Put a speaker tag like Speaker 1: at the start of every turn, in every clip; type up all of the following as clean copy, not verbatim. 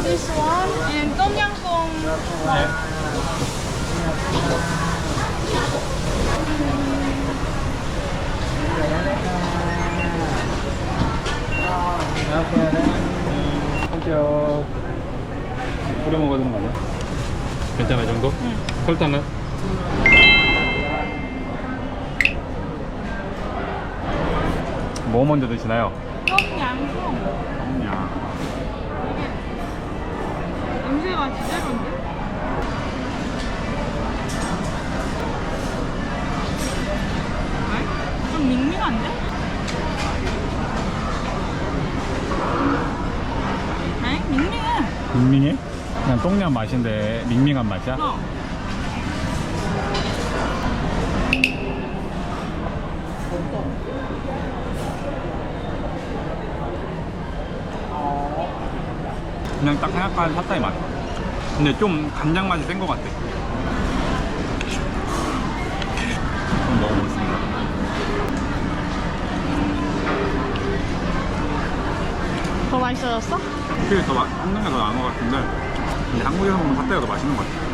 Speaker 1: This one and Tom Yum Goong.
Speaker 2: 네. 안녕하세요. 뿌려 먹어야 되는 거 아니야? 괜찮아, 이 정도?
Speaker 1: 응.
Speaker 2: 설탕은? 뭐 먼저 드시나요?
Speaker 1: Tom Yum Goong.
Speaker 2: 야.
Speaker 1: 냄새가 제대로인데? 왜? 좀 밍밍한데? 에? 밍밍해.
Speaker 2: 밍밍해? 그냥 똥냥 맛인데 밍밍한 맛이야?
Speaker 1: 어.
Speaker 2: 그냥 딱 생각한 팟타이 맛. 근데 좀 간장 맛이 센 것 같아. 좀 먹어보겠습니다.
Speaker 1: 더 맛있어졌어?
Speaker 2: 확실히 더 한국에 더 나은 것 같은데, 근데 한국에서 먹는 팟타이가 더 맛있는 것 같아.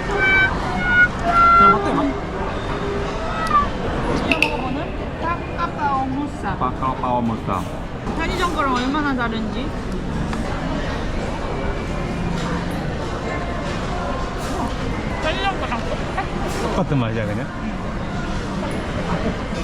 Speaker 2: 그냥 팟타이 맛.
Speaker 1: 지금 먹어보는 닭까까오 무쌈.
Speaker 2: 빠까오빠오 무쌈.
Speaker 1: 편의점 거랑 얼마나 다른지. 편의점 거랑 똑같아.
Speaker 2: 똑같은 맛이야 그냥?